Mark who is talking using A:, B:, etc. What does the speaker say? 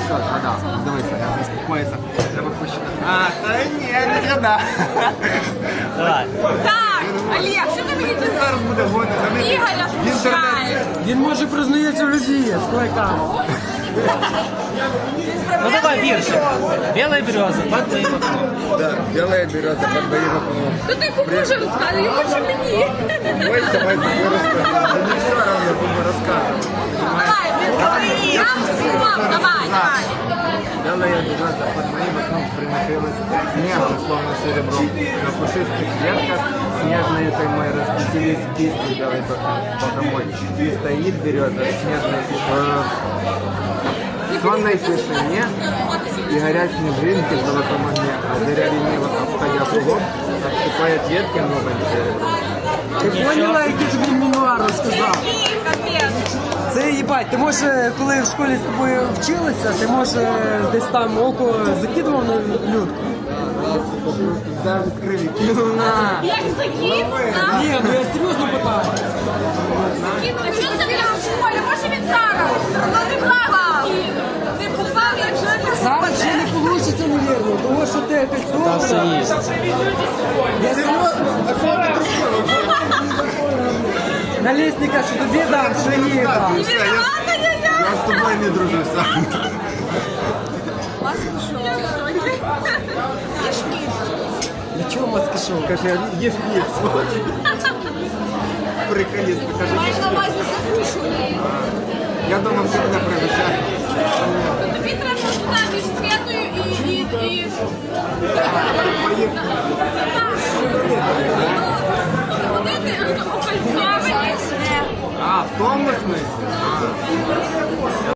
A: вода. Дивися, я заспокоїться. Треба почитати. А, та ні, не треба.
B: Давай.
C: Так, Олег, що ти мені тут?
A: Зараз буде гонити.
C: Ігоря смущає.
D: Він може признається в любві з кулаками.
B: Ну давай віршик. Белая береза под моим окном.
A: Да, белая береза под моим окном.
C: То ти кому вже розказує, може мені.
A: Ой, давай тебе розкажу. Мені все равно, кому розказувати.
C: Давай, відкрий. Давай, давай.
A: Белая береза под моим окном приносилась снежно, словно серебром. На пушистых ветках снежные каймой распустились кисти белой богомой. И стоит береза в снежной сонной тишине, и горят снежинки в золотом огне, а заря лениво обходя кругом, обсыпает ветки новым серебром.
D: Ти поняла, який тобі мемуар розказав?
C: Капець.
D: Це їбать, ти може, коли в школі з тобою вчилися, ти може десь там око закидував на людку?
A: Взяв відкрив і кинув на.
C: Як закинув?
D: Ні, ну я серйозно питаю.
C: Що це для в школі? Може він зараз? Ну не плавав. Не попав, як же не
D: Зараз ще не вийде, навірно, тому що ти
B: Там все
D: підсовував.
B: есть.
D: Я серйозно. На лісника, що тобі дам, що їй дам.
A: Я з тобою не дружу сам.
D: Для чого маски шоу?
A: Каже, їж хліб, сволочь. Приколіст, каже,
C: Маєш на увазі закушувати.
A: я думав, що мене пригощає.
C: Тобі треба туди між Святою і... Ходити окольцовані.
A: А, в тому смислі?